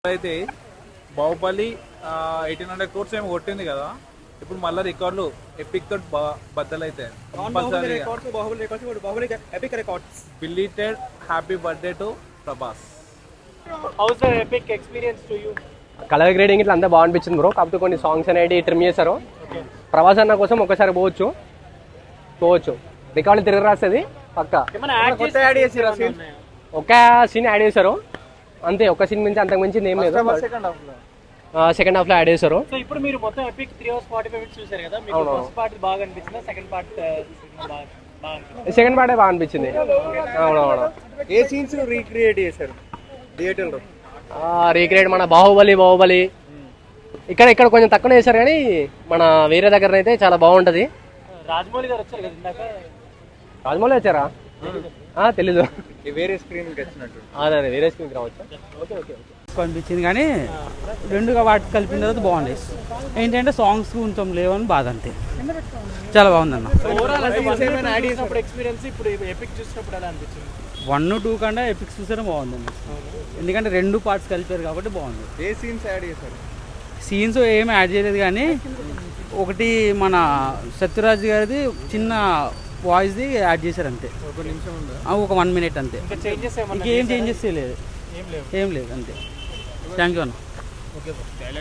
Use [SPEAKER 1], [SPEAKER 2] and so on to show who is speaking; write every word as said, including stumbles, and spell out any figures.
[SPEAKER 1] అయితే Baahubali eighteen hundred course ఏమో కొట్టింది కదా, ఇప్పుడు మళ్ళీ రికార్డులు ఎపిక్ తోటి బద్దలైతాయి. Belated happy birthday to Prabhas.
[SPEAKER 2] Colour grading ఇట్లా అంతా బాగా అనిపించింది బ్రో. కాకపోతే కొన్ని సాంగ్స్ అనేవి ట్రిమ్ చేశారు. ప్రభాస్ అన్న కోసం ఒకసారి పోవచ్చు పోవచ్చు రికార్డు తిరిగి రాస్తుంది పక్క. ఒక సీన్ యాడ్ చేశారు అంతే, ఒక సీన్ మించి అంతకు మించి ఏం లేదు. సెకండ్ హాఫ్ లో యాడ్ చేశారు.
[SPEAKER 3] సో ఇప్పుడు మీరు మొత్తం epic three hours forty five minutes చూసారు కదా, మీకు ఫస్ట్ పార్ట్ బాగా అనిపించిందా, సెకండ్ పార్ట్ బాగా అనిపించింది?
[SPEAKER 2] సెకండ్ పార్టే బాగా అనిపించింది. అవునవును.
[SPEAKER 4] ఏ సీన్స్ రీక్రియేట్ చేశారు థియేటర్ లో?
[SPEAKER 2] రీక్రియేట్ మన బాహుబలి బాహుబలి ఇక్కడ ఇక్కడ కొంచెం తక్కువ చేశారు, కానీ మన వేరే దగ్గర అయితే చాలా బాగుంటది.
[SPEAKER 3] రాజమౌళి గారు వచ్చారు కదా ఇందాక.
[SPEAKER 2] రాజమౌళి వచ్చారా? తెలీదు.
[SPEAKER 4] వేరే స్క్రీన్ వచ్చినట్టు
[SPEAKER 2] అదే వేరే స్క్రీన్ రావచ్చు.
[SPEAKER 3] ఓకే ఓకే
[SPEAKER 5] అనిపించింది, కానీ రెండుగా వాటి కలిపిన తర్వాత బాగుంది. ఏంటంటే సాంగ్స్ కొంచెం లేవని బాధ, అంతే. చాలా బాగుంది అన్న.
[SPEAKER 3] ఎక్స్పీరియన్స్ ఇప్పుడు ఎపిక్ చూసినప్పుడు ఎలా అనిపించింది?
[SPEAKER 5] వన్ టూ కంటే ఎపిక్స్ చూసే బాగుందండి, ఎందుకంటే రెండు పార్ట్స్ కలిపారు కాబట్టి బాగుంది.
[SPEAKER 4] ఏ సీన్స్ యాడ్ చేశారు?
[SPEAKER 5] సీన్స్ ఏమి యాడ్ చేయలేదు, కానీ ఒకటి మన సత్యరాజ్ గారిది చిన్న వాయిస్ది యాడ్ చేశారు అంతే,
[SPEAKER 4] ఒక నిమిషం ఉందా?
[SPEAKER 5] ఒక వన్ మినిట్ అంతే. ఇంకేం చేంజెస్ చేయలేదు, ఏం లేదు అంతే. థ్యాంక్ యూ అన్న.